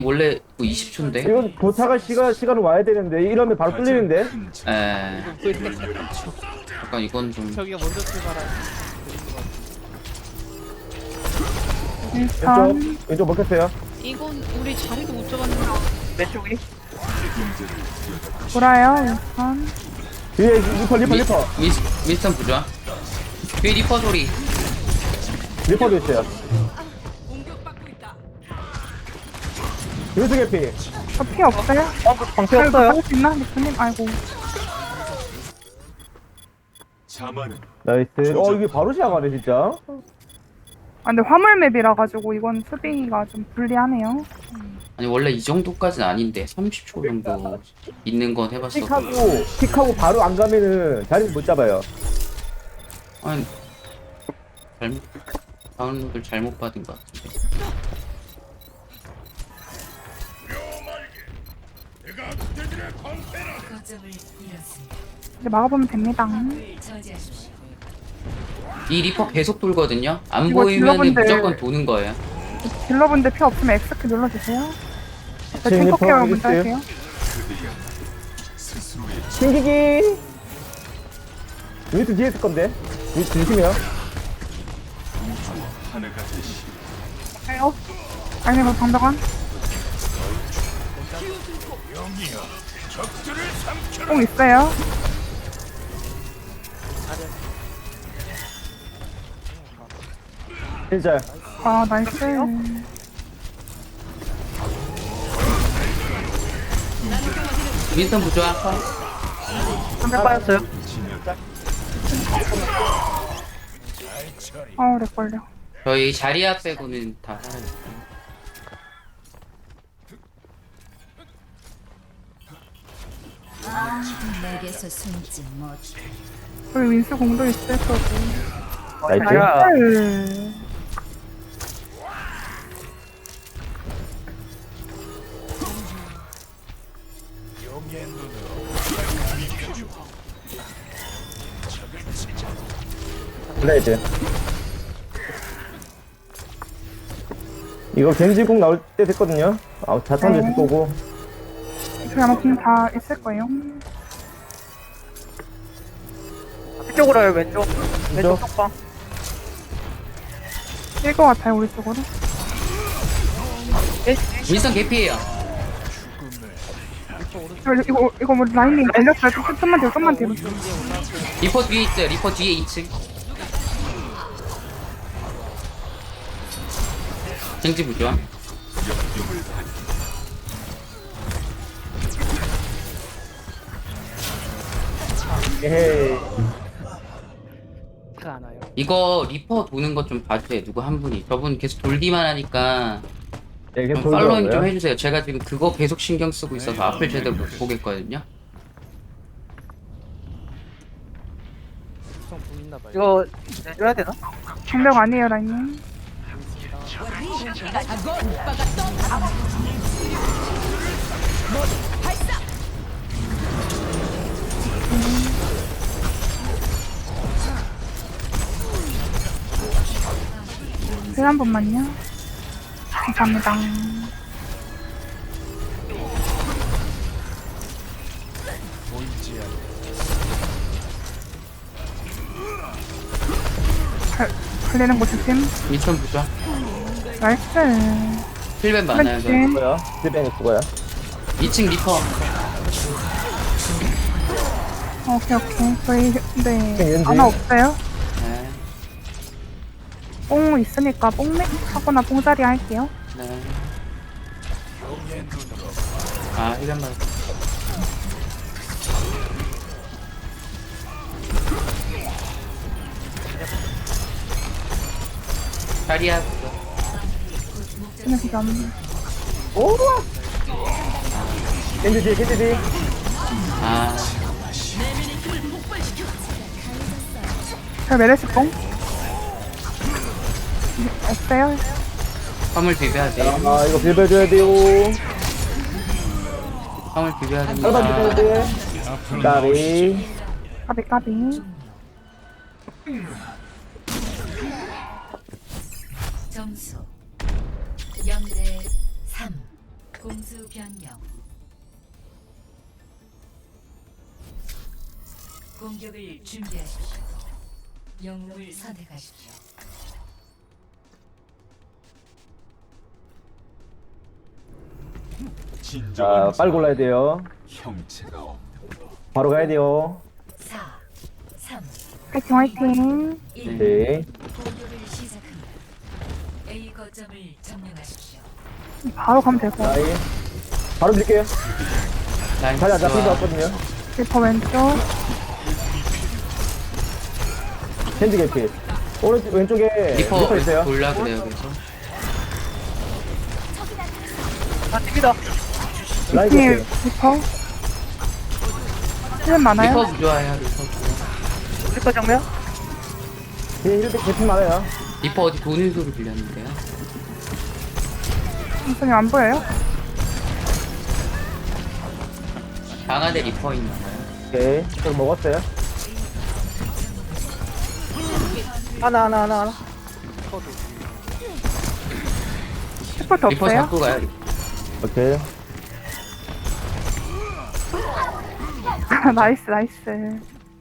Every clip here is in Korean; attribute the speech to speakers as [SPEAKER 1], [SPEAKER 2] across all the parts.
[SPEAKER 1] 원래 20초인데.
[SPEAKER 2] 이건 도착할 시간은 와야 되는데 이러면 바로 뚫리는데.
[SPEAKER 1] 에. 약간 이건 좀.
[SPEAKER 3] 저기가 먼저 출발한.
[SPEAKER 2] 왼쪽 먹혔어요.
[SPEAKER 3] 이건 우리 자리도 못 잡았는데. 왼쪽이?
[SPEAKER 4] 돌아요, 우선.
[SPEAKER 2] 뒤에 리퍼.
[SPEAKER 1] 윈스턴 부좌. 뒤에 리퍼 소리.
[SPEAKER 2] 리퍼도 있어요. 유수 개피.
[SPEAKER 4] 저 피 없어요?
[SPEAKER 2] 방패
[SPEAKER 4] 잘
[SPEAKER 2] 없어요.
[SPEAKER 4] 막을 수 있나? 리프님? 아이고.
[SPEAKER 2] 나이스. 이게 바로 시작하네 진짜.
[SPEAKER 4] 아, 근데 화물 맵이라 가지고 이건 수비가 좀 불리하네요.
[SPEAKER 1] 아니 원래 이 정도까지는 아닌데 30초 정도 있는 건 해봤어.
[SPEAKER 2] 픽하고 바로 안 가면은 자리를 못 잡아요.
[SPEAKER 1] 아니 잘못 다운로드를 잘못 받은 것 같은데.
[SPEAKER 4] 이제 막아보면 됩니다.
[SPEAKER 1] 이 리퍼 계속 돌거든요. 안
[SPEAKER 4] 이거
[SPEAKER 1] 보이면
[SPEAKER 4] 딜러분들-
[SPEAKER 1] 무조건 도는 거예요.
[SPEAKER 4] 딜러분들 피 없으면 X키 눌러주세요. 저
[SPEAKER 2] 지금
[SPEAKER 4] 탱커
[SPEAKER 2] 리퍼
[SPEAKER 4] 케어
[SPEAKER 2] 어디
[SPEAKER 4] 먼저
[SPEAKER 2] 있어요?
[SPEAKER 4] 할게요.
[SPEAKER 2] 튕기기. 유수 뒤에 있을 건데. 유수 조심해요.
[SPEAKER 4] 가요. 아니, 뭐 방벽안. 뽕 있어요.
[SPEAKER 2] 진짜.
[SPEAKER 4] 아, 나이스.
[SPEAKER 1] 윈스턴 부좌.
[SPEAKER 4] 방벽 빠졌어요. 렉 걸려.
[SPEAKER 1] 저희 자리아 빼고는 다 살아있어요.
[SPEAKER 5] 내게서 숨지 못.
[SPEAKER 4] 우리 윈스 공도 있을 거고.
[SPEAKER 2] 나이스.
[SPEAKER 4] 나이스.
[SPEAKER 2] 블레이드. 이거 겐지궁 나올 때 됐거든요. 자탄도 있을 거고.
[SPEAKER 4] 저희 아마 공다 있을 거예요.
[SPEAKER 3] 이쪽으로 와요, 왼쪽. 왼쪽 쪽방.
[SPEAKER 4] 뛸 것 같아요, 우리 쪽으로.
[SPEAKER 1] 윈스턴 개피예요.
[SPEAKER 4] 이거 뭐 라인이 걸렸어요. 좀만 뒤로, 좀만 뒤로.
[SPEAKER 1] 리퍼 뒤에 있어요. 리퍼 뒤에 2층. 겐지 부좌.
[SPEAKER 2] 에헤이.
[SPEAKER 3] 안 와요.
[SPEAKER 1] 이거 리퍼 도는 것 좀 봐주세요. 누구 한 분이. 저분 계속 돌기만 하니까
[SPEAKER 2] 네, 계속
[SPEAKER 1] 좀 팔로잉 좀
[SPEAKER 2] 돌더라고요.
[SPEAKER 1] 해주세요. 제가 지금 그거 계속 신경 쓰고 있어서 앞을 제대로 못 보겠거든요.
[SPEAKER 3] 좀 보이나봐요.
[SPEAKER 6] 이거 내줘야 되나?
[SPEAKER 4] 방벽 아니에요, 라인님. 한 번만요. 감사합니다. 걸리는 거 조심.
[SPEAKER 1] 윈스턴 부좌.
[SPEAKER 4] 나이스.
[SPEAKER 1] 힐벤 많아요. 저.
[SPEAKER 4] 그렇지.
[SPEAKER 2] 죽어요. 딜뱅이 죽어요.
[SPEAKER 1] 2층 리퍼.
[SPEAKER 4] 오케이. 저희, 네.
[SPEAKER 2] 왠지.
[SPEAKER 4] 하나 없어요?
[SPEAKER 1] 네.
[SPEAKER 4] 뽕 있으니까 뽕맥 하거나 뽕자리 할게요.
[SPEAKER 1] 네. 아, 힐벤 많아. 자리야.
[SPEAKER 4] 그냥 그냥.
[SPEAKER 2] 오! 겐지 뒤에.
[SPEAKER 1] 아,
[SPEAKER 4] 저 메르시 뽕? 없어요?
[SPEAKER 1] 화물 비벼야 돼요.
[SPEAKER 2] 이거 비벼줘야 돼요.
[SPEAKER 1] 화물 비벼야
[SPEAKER 2] 빨리
[SPEAKER 1] 됩니다.
[SPEAKER 2] 비벼야 돼. 까비.
[SPEAKER 4] 까비.
[SPEAKER 5] 점수 0대 3. 공수 변경. 공격을 준비하십시오. 영웅을 선택하십시오.
[SPEAKER 2] 자, 빨리 골라야 돼요. 바로 가야 돼요.
[SPEAKER 5] 4, 3,
[SPEAKER 4] 화이팅 화이팅.
[SPEAKER 5] 1.
[SPEAKER 2] 네.
[SPEAKER 5] 공격을 시작합니다. A 거점을 점령하십시오.
[SPEAKER 4] 바로 가면 될 것 같아요.
[SPEAKER 2] 라인. 바로 드릴게요.
[SPEAKER 1] 라인
[SPEAKER 2] 자리 안 잡힌 것
[SPEAKER 1] 좋아.
[SPEAKER 2] 같거든요.
[SPEAKER 4] 리퍼 왼쪽.
[SPEAKER 2] 캔디 개피. 오른쪽, 왼쪽에
[SPEAKER 1] 리퍼
[SPEAKER 2] 리퍼 있어요.
[SPEAKER 1] 골라 그래요 그래서.
[SPEAKER 3] 아 튕기다.
[SPEAKER 2] 라인
[SPEAKER 4] 님
[SPEAKER 2] 개피.
[SPEAKER 4] 리퍼. 힐 많아요?
[SPEAKER 1] 리퍼 좋아요 리퍼 좋아.
[SPEAKER 3] 리퍼 정면.
[SPEAKER 2] 뒤에 이렇게 개피 많아요.
[SPEAKER 1] 리퍼 어디 도는 소리 들렸는데요.
[SPEAKER 4] 선생님 안 보여요?
[SPEAKER 1] 방 안에 리퍼 있나봐요.
[SPEAKER 2] 오케이. 저 먹었어요.
[SPEAKER 3] 하나.
[SPEAKER 4] 슈퍼트
[SPEAKER 1] 리퍼
[SPEAKER 4] 없어요?
[SPEAKER 1] 잡고 가요. 리퍼.
[SPEAKER 2] 오케이.
[SPEAKER 4] 나이스 나이스.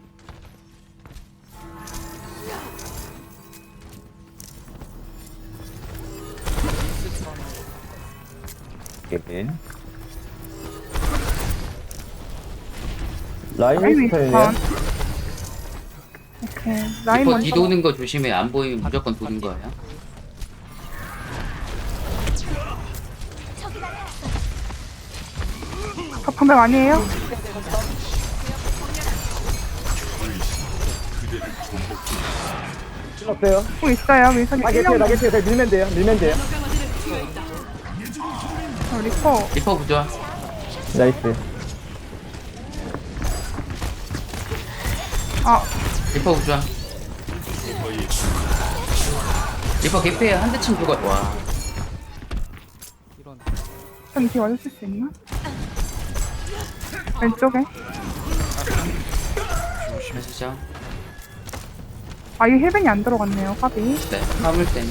[SPEAKER 2] 개피. 라인
[SPEAKER 4] 라인
[SPEAKER 2] 스타일이네.
[SPEAKER 4] 위스턴. 오케이. 라인
[SPEAKER 1] 리퍼
[SPEAKER 4] 먼저.
[SPEAKER 1] 뒤 도는 거 조심해. 안 보이면 무조건 도는 거예요.
[SPEAKER 4] 방금 아니에요?
[SPEAKER 2] 없어요.
[SPEAKER 4] 공 있어요. 민선이
[SPEAKER 2] 나 개피요,
[SPEAKER 4] 1년
[SPEAKER 2] 나 개피요. 그냥 밀면 돼요. 밀면 돼요.
[SPEAKER 4] 리퍼.
[SPEAKER 1] 리퍼 부좋아.
[SPEAKER 2] 나이스.
[SPEAKER 4] 아
[SPEAKER 1] 리퍼 부좋아. 리퍼 개피에 한 대쯤 죽어. 와.
[SPEAKER 4] 좀 뒤에 와주실 수 있나? 왼쪽에.
[SPEAKER 1] 가시죠.
[SPEAKER 4] 아 이게 힐벤이 안 들어갔네요. 까비.
[SPEAKER 1] 네. 화물 때문에.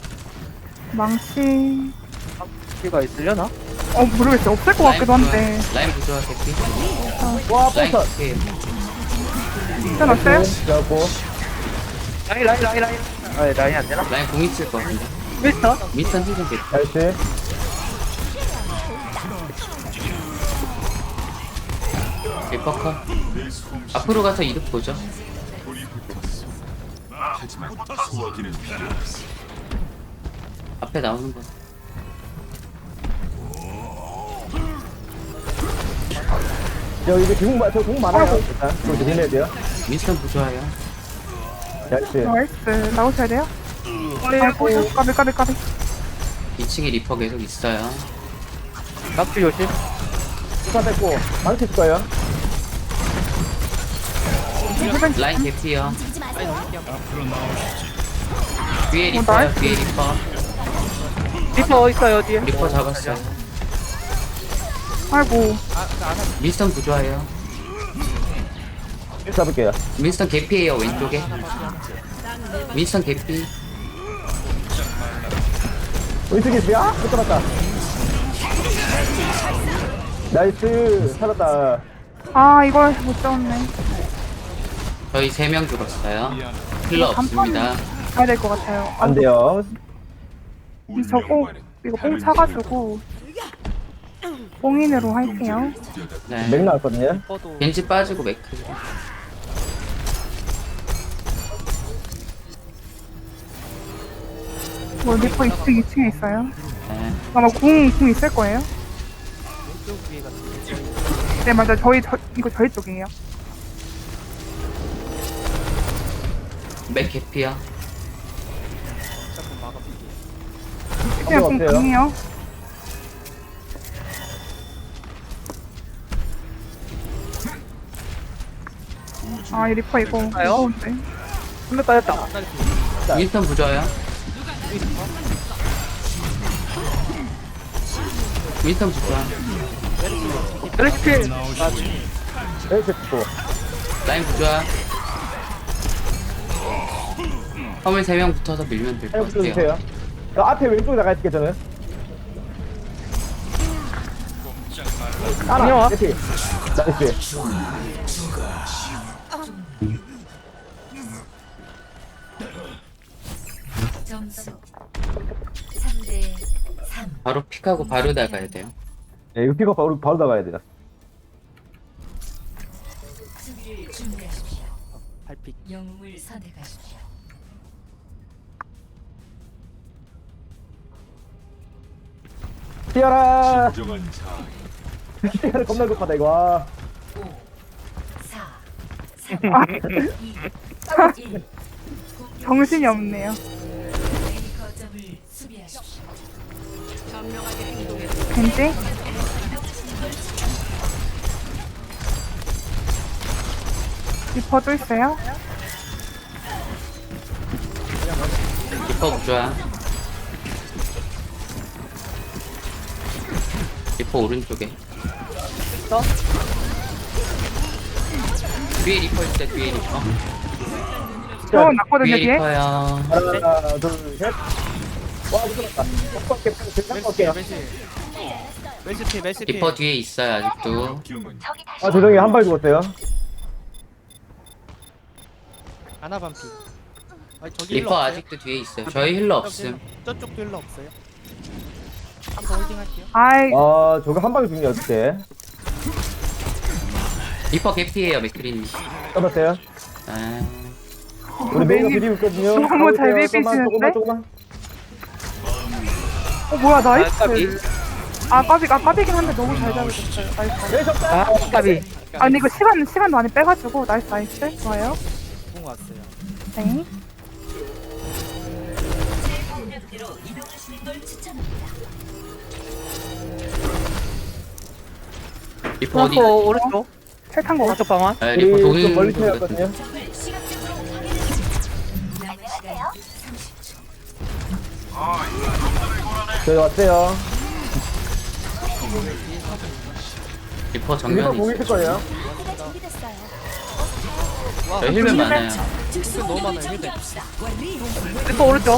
[SPEAKER 4] 망치.
[SPEAKER 3] 가 있으려나?
[SPEAKER 4] 모르겠어요. 없을 것 같기도 한데.
[SPEAKER 1] 라인 부좋아 개피.
[SPEAKER 2] 와,
[SPEAKER 1] 라인
[SPEAKER 2] 버터.
[SPEAKER 1] 개피에요.
[SPEAKER 4] 괜찮았어요?
[SPEAKER 2] 그래갖고.
[SPEAKER 3] 라인. 아 라인 안 되나?
[SPEAKER 1] 라인 공 있을 것 같은데.
[SPEAKER 3] 미스터.
[SPEAKER 1] 미스턴 힐좀 개피.
[SPEAKER 2] 나이스.
[SPEAKER 1] 리퍼 컷. 앞으로 가서 이득 보죠. 앞에 나오는 거.
[SPEAKER 2] 저공 많아요. 일단. 그거 조심해야 돼요.
[SPEAKER 1] 미스턴 부좋아요.
[SPEAKER 2] 나이스.
[SPEAKER 4] 나이스. 나오셔야 돼요? 아이고 까비.
[SPEAKER 1] 2층에 리퍼 계속 있어요.
[SPEAKER 3] 낙지 조심.
[SPEAKER 2] 수사 뺐고. 망치 있을 거예요.
[SPEAKER 4] 힐벤
[SPEAKER 1] 라인 개피요. 뒤에
[SPEAKER 4] 어,
[SPEAKER 1] 리퍼요.
[SPEAKER 4] 나이스.
[SPEAKER 1] 뒤에 리퍼.
[SPEAKER 3] 리퍼 있어요 뒤에.
[SPEAKER 1] 리퍼 잡았어요.
[SPEAKER 4] 아이고.
[SPEAKER 1] 미스턴 부좋아요.
[SPEAKER 2] 잡을게요.
[SPEAKER 1] 미스턴 개피에요 왼쪽에. 미스턴 개피.
[SPEAKER 2] 왼쪽에 있어요? 못 잡았다. 나이스. 살았다.
[SPEAKER 4] 아 이걸 못 잡았네.
[SPEAKER 1] 저희 3명 죽었어요. 힐러
[SPEAKER 4] 간판
[SPEAKER 1] 없습니다.
[SPEAKER 4] 가야 될 것 같아요.
[SPEAKER 2] 안 돼요.
[SPEAKER 4] 저거 이거 뽕 차가지고 뽕인으로 할게요.
[SPEAKER 1] 네.
[SPEAKER 2] 맥 나왔거든요.
[SPEAKER 1] 겐지 빠지고 맥크.
[SPEAKER 4] 뭐 리퍼 2층에 있어요.
[SPEAKER 1] 네.
[SPEAKER 4] 아마 궁 있을 거예요. 네 맞아. 이거 저희 쪽이에요.
[SPEAKER 1] 맥 개피요.
[SPEAKER 4] 그냥 궁
[SPEAKER 2] 없어요.
[SPEAKER 4] 궁이요. 아 이 리퍼 이거 무서운데.
[SPEAKER 3] 한명 빠졌다.
[SPEAKER 1] 미스턴 부좋아요. 미스턴 부좋아.
[SPEAKER 3] 멜리스필.
[SPEAKER 2] 이렇게 또.
[SPEAKER 1] 라인 부좋아. 화물 3명 붙어서 밀면 될 것
[SPEAKER 2] 해볼
[SPEAKER 1] 같아요.
[SPEAKER 2] 주세요. 저 앞에 왼쪽에 나가 있을게 저는. 하나 개피. 나이스.
[SPEAKER 5] 점수 3대 3.
[SPEAKER 1] 바로 픽하고 바로 나가야 돼요.
[SPEAKER 2] 네, 이거 픽업 바로 나가야 돼요.
[SPEAKER 5] 수비를 준비하십시오.
[SPEAKER 3] 발픽.
[SPEAKER 5] 영웅을 선택하십시오.
[SPEAKER 2] 뛰어라. 뛰어라 겁나 급하다 이거. 와.
[SPEAKER 5] 5 4 3 2 1.
[SPEAKER 4] 정신이 없네요.
[SPEAKER 5] A 거점을 수비하십시오.
[SPEAKER 4] 겐지? 리퍼도 있어요?
[SPEAKER 1] 리퍼 부좌. 리퍼 오른쪽에. 뒤에 리퍼 있다. 뒤에 리퍼.
[SPEAKER 4] 저 났거든요,
[SPEAKER 1] 뒤에
[SPEAKER 4] 뒤에?
[SPEAKER 1] 리퍼야.
[SPEAKER 2] 하나 둘 셋. 와 무섭다. 꺾을게. 꺾을게요.
[SPEAKER 3] 메시티.
[SPEAKER 1] 리퍼 뒤에 있어요 아직도.
[SPEAKER 2] 아 죄송해요 한 발 죽었어요.
[SPEAKER 3] 아나 반피. 아 저기
[SPEAKER 1] 리퍼 아직도 뒤에 있어요. 저희 힐러 없음.
[SPEAKER 3] 저쪽도 힐러 없어요. 한번 홀딩 할게요.
[SPEAKER 4] 아이,
[SPEAKER 2] 아 저거 한 방에 죽냐 어떻게?
[SPEAKER 1] 리퍼 개피예요 맥크린님.
[SPEAKER 2] 잡았어요.
[SPEAKER 1] 아,
[SPEAKER 2] 우리 메이가 비리고 있거든요.
[SPEAKER 4] 너무 잘
[SPEAKER 2] 가볼게요.
[SPEAKER 4] 비비시는데?
[SPEAKER 2] 조금만.
[SPEAKER 4] 뭐야, 나이스.
[SPEAKER 1] 까비.
[SPEAKER 4] 까비긴 한데 너무 잘 잡으셨어요. 나이스.
[SPEAKER 2] 네 잡다.
[SPEAKER 3] 아 까비.
[SPEAKER 4] 아니, 이거 시간 많이 빼가지고, 나이스. 좋아요.
[SPEAKER 3] 공 왔어요.
[SPEAKER 4] 네.
[SPEAKER 1] 리퍼 어디?
[SPEAKER 3] 오른쪽.
[SPEAKER 4] 탈탄 거.
[SPEAKER 3] 오른쪽 방안.
[SPEAKER 1] 아, 리퍼
[SPEAKER 2] 우리 좀
[SPEAKER 1] 도는
[SPEAKER 2] 멀리
[SPEAKER 1] 거거든.
[SPEAKER 2] 태웠거든요.
[SPEAKER 5] 남은 시간 30초.
[SPEAKER 2] 저희 왔어요.
[SPEAKER 1] 리퍼
[SPEAKER 2] 리퍼
[SPEAKER 1] 정면에
[SPEAKER 2] 보고
[SPEAKER 1] 있어요.
[SPEAKER 2] 있을 거예요.
[SPEAKER 1] 저 힐맨 많아요.
[SPEAKER 3] 너무 많아요. 힐백.
[SPEAKER 4] 리퍼 오른쪽.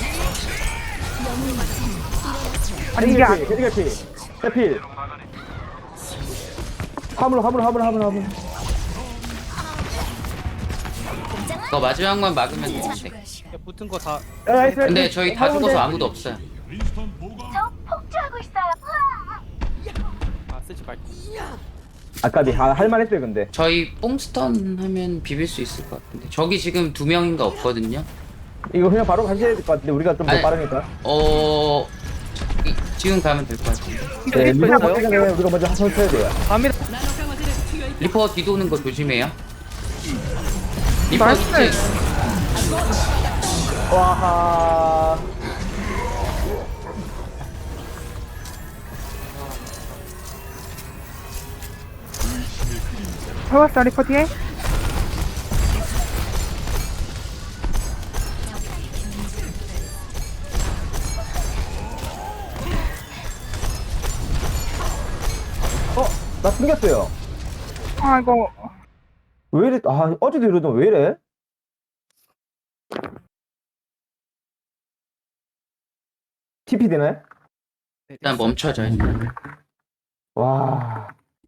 [SPEAKER 4] 아니, 이게
[SPEAKER 2] 헤드개피. 해필. 화물.
[SPEAKER 1] 그거 마지막만 막으면 되는데.
[SPEAKER 5] 추가 시간.
[SPEAKER 3] 붙은 거 다.
[SPEAKER 1] 근데 저희 다 죽어서 아무도 없어요.
[SPEAKER 3] 아 쓰지 말고.
[SPEAKER 2] 아까비 할만했어요 근데.
[SPEAKER 1] 저희 뽕스턴 하면 비빌 수 있을 것 같은데. 저기 지금 2명인가 없거든요.
[SPEAKER 2] 이거 그냥 바로 가셔야 될 것 같은데 우리가 좀 더
[SPEAKER 1] 아니,
[SPEAKER 2] 빠르니까.
[SPEAKER 1] 지금 가면 될 것 같은데.
[SPEAKER 2] 네,
[SPEAKER 3] 리퍼
[SPEAKER 2] 리퍼
[SPEAKER 3] 있어요?
[SPEAKER 2] 먼저 전에 우리가 먼저 한번 쳐야 돼요.
[SPEAKER 3] 갑니다.
[SPEAKER 1] 리퍼 뒤도는 거 조심해요. 리퍼
[SPEAKER 4] 나이스.
[SPEAKER 1] 밑에
[SPEAKER 2] 와하.
[SPEAKER 4] 잡았어, 리퍼 뒤에.
[SPEAKER 2] 나 숨겼어요.
[SPEAKER 4] 아, 이거.
[SPEAKER 2] 왜 이래? 아 어제도 이러던 왜 이래? TP 되나요?
[SPEAKER 1] 일단 멈춰져 일단.
[SPEAKER 2] 와.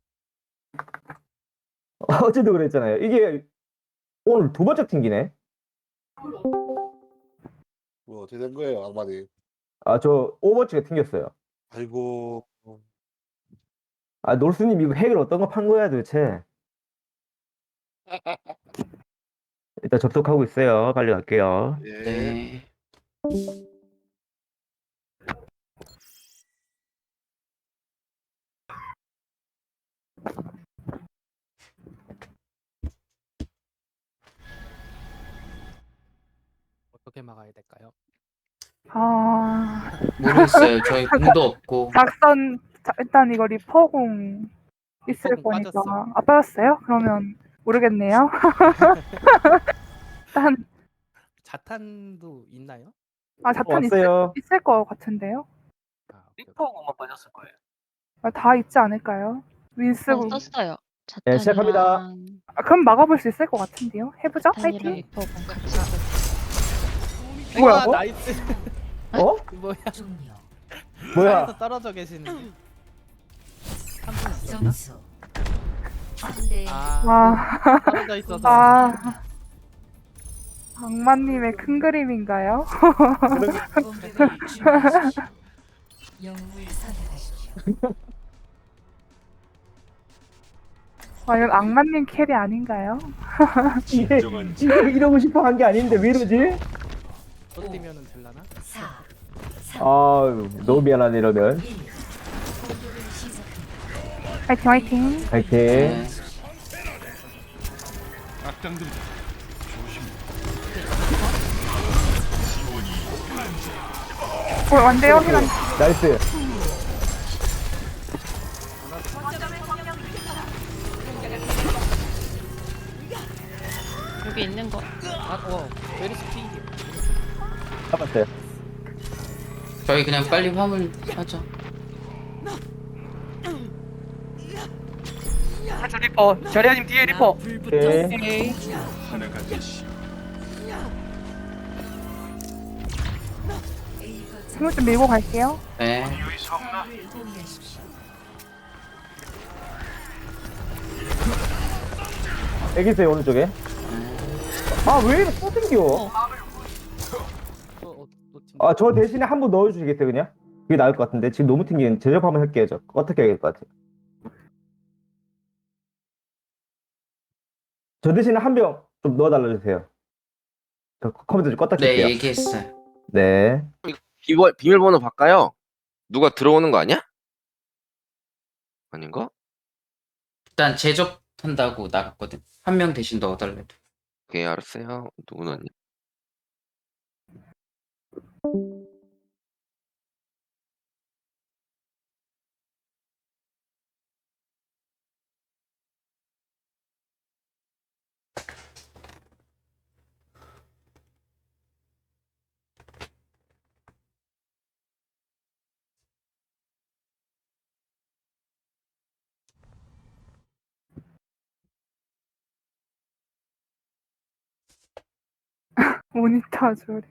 [SPEAKER 2] 어제도 그랬잖아요. 이게 오늘 두 번째 튕기네.
[SPEAKER 6] 뭐 어떻게 된 거예요, 악마님?
[SPEAKER 2] 아 저 오버워치가 튕겼어요.
[SPEAKER 6] 아이고,
[SPEAKER 2] 아 놀스님 이거 핵을 어떤 거 판 거야 도대체? 일단 접속하고 있어요. 빨리 갈게요.
[SPEAKER 6] 예.
[SPEAKER 1] 네.
[SPEAKER 3] 어떻게 막아야 될까요?
[SPEAKER 4] 아,
[SPEAKER 1] 모르겠어요. 저희 공도 없고.
[SPEAKER 4] 일단 이거 리퍼공 있을
[SPEAKER 3] 리퍼공
[SPEAKER 4] 거니까.
[SPEAKER 3] 빠졌어.
[SPEAKER 4] 아, 빠졌어요? 그러면 모르겠네요. 일단,
[SPEAKER 3] 자탄도 있나요?
[SPEAKER 4] 자탄
[SPEAKER 2] 왔어요.
[SPEAKER 4] 있을 거 같은데요?
[SPEAKER 3] 아, 오케이, 오케이.
[SPEAKER 7] 리퍼공만 빠졌을 거예요.
[SPEAKER 4] 다 있지 않을까요? 윈스공.
[SPEAKER 7] 썼어요.
[SPEAKER 2] 네, 시작합니다.
[SPEAKER 4] 그럼 막아볼 수 있을 것 같은데요? 해보죠?
[SPEAKER 7] 자탄이랑
[SPEAKER 4] 파이팅!
[SPEAKER 7] 리퍼공 같이 하고.
[SPEAKER 4] 뭐야,
[SPEAKER 3] 아,
[SPEAKER 4] 뭐?
[SPEAKER 3] 나이스.
[SPEAKER 2] 어?
[SPEAKER 3] 뭐야?
[SPEAKER 5] 종료.
[SPEAKER 2] 뭐야?
[SPEAKER 3] 땅에서 떨어져 계시는.
[SPEAKER 7] 있었나?
[SPEAKER 5] 점수 3대
[SPEAKER 7] 아,
[SPEAKER 4] 와,
[SPEAKER 7] 떨어져 있어서.
[SPEAKER 4] 아. 악마님의 큰 그림인가요?
[SPEAKER 5] 공격을 준비하십시오. 영웅을 선택하십시오.
[SPEAKER 4] 과연 악마님 캐리 아닌가요?
[SPEAKER 2] 이게 이러고 싶어 한 게 아닌데 왜 이러지?
[SPEAKER 7] 또 뛰면은 될라나?
[SPEAKER 5] 4
[SPEAKER 2] 아 너무 미안하네 이러면.
[SPEAKER 5] 1 공격을 시작합니다.
[SPEAKER 4] 화이팅 화이팅.
[SPEAKER 2] 파이팅.
[SPEAKER 1] 네.
[SPEAKER 4] 완대요 힐한.
[SPEAKER 2] 나이스.
[SPEAKER 7] 여기 있는 거. 메리스 피.
[SPEAKER 2] 잡았어요.
[SPEAKER 1] 저희 그냥 빨리 화물 하자.
[SPEAKER 3] 저 리퍼. 자리아님 뒤에 리퍼.
[SPEAKER 2] 오케이.
[SPEAKER 3] 오케이.
[SPEAKER 5] A 거점
[SPEAKER 4] 스무 좀 밀고 갈게요.
[SPEAKER 1] 네.
[SPEAKER 5] 공을 공유하십시오.
[SPEAKER 2] 여기 있어요 오른쪽에. 아 왜 이렇게 또 생겨?
[SPEAKER 7] 또 팀.
[SPEAKER 2] 아 저 대신에 한 번 넣어주시겠어요 그냥? 그게 나을 것 같은데 지금 너무 튕기는 제접 한번 할게요 저. 어떻게 해야 될 것 같아요? 저 대신에 한 병 좀 넣어달라 주세요. 저 컴퓨터 좀 껐다
[SPEAKER 1] 네,
[SPEAKER 2] 킬게요.
[SPEAKER 1] 얘기했어요.
[SPEAKER 2] 네.
[SPEAKER 8] 비밀번호 바꿔요. 누가 들어오는 거 아니야? 아닌가?
[SPEAKER 1] 일단 제접한다고 나갔거든. 한 명 대신 넣어달래.
[SPEAKER 8] 오케이, 알았어요. 누구 넣었냐?
[SPEAKER 4] 모니터 조리.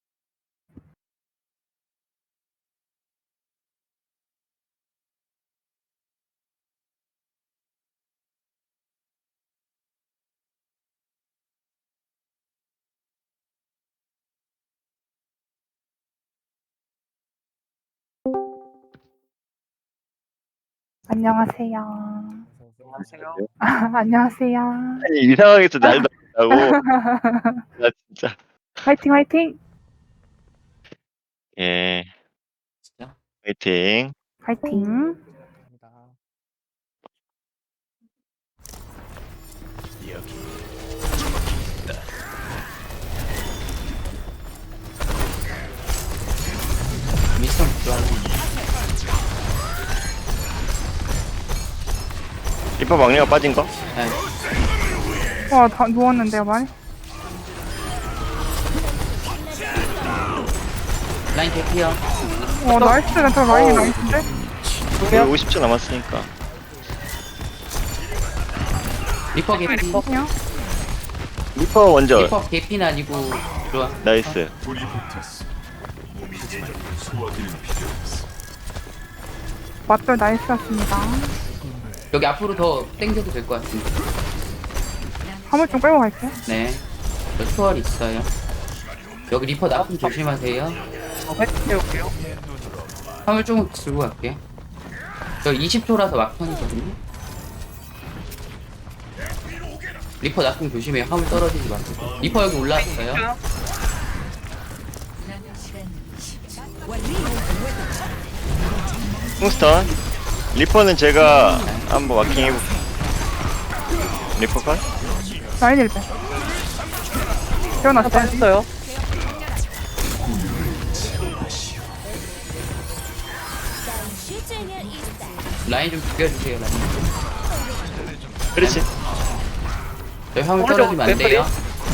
[SPEAKER 4] 안녕하세요.
[SPEAKER 3] 안녕하세요.
[SPEAKER 4] 안녕하세요.
[SPEAKER 9] 아니 이 상황에서 날 넣는다고 나 진짜
[SPEAKER 4] 화이팅 화이팅.
[SPEAKER 9] 예
[SPEAKER 1] 진짜?
[SPEAKER 9] 화이팅
[SPEAKER 4] 화이팅.
[SPEAKER 7] 감사합니다.
[SPEAKER 1] 미스터 좋아하는.
[SPEAKER 9] 리퍼 막내가 빠진 거?
[SPEAKER 1] 네.
[SPEAKER 4] 와, 다 누웠는데요, 많이?
[SPEAKER 1] 라인 개피요.
[SPEAKER 4] 나이스. 저 라인이 나이스인데?
[SPEAKER 9] 우리 50초 남았으니까
[SPEAKER 1] 리퍼 개피.
[SPEAKER 4] 그냥?
[SPEAKER 9] 리퍼 먼저
[SPEAKER 1] 리퍼 개피는 아니고 좋아.
[SPEAKER 9] 나이스
[SPEAKER 4] 맞돌 나이스였습니다.
[SPEAKER 1] 여기 앞으로 더 땡겨도 될 것 같은데.
[SPEAKER 4] 화물 좀 끌고 갈게요.
[SPEAKER 1] 네. 저 초월 있어요. 여기 리퍼 나쁜 조심하세요.
[SPEAKER 3] 화이팅 해올게요.
[SPEAKER 1] 화물 조금 들고 갈게요. 저 20초라서 막판이거든요. 리퍼 나쁜 조심해요. 화물 떨어지지 마세요. 리퍼 여기 올라왔어요.
[SPEAKER 5] 남은 시간 10초.
[SPEAKER 9] 킹스턴 리퍼는 제가 한번 마킹 해볼게요. 리퍼 컷?
[SPEAKER 4] 라인 1배. 태어났어요.
[SPEAKER 3] 했어요.
[SPEAKER 1] 라인 좀 죽여주세요. 라인.
[SPEAKER 9] 그렇지
[SPEAKER 1] 저희 화물
[SPEAKER 3] 오른쪽
[SPEAKER 1] 떨어지면 안 돼요.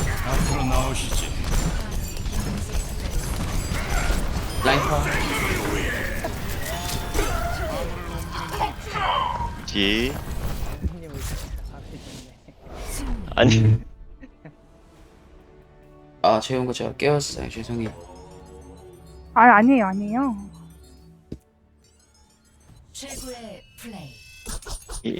[SPEAKER 1] 라인 컷.
[SPEAKER 9] 지 아니
[SPEAKER 1] 아, 재운 거 제가 깨웠어요. 죄송해요.
[SPEAKER 4] 아니에요.
[SPEAKER 5] 최고의 플레이.
[SPEAKER 9] 이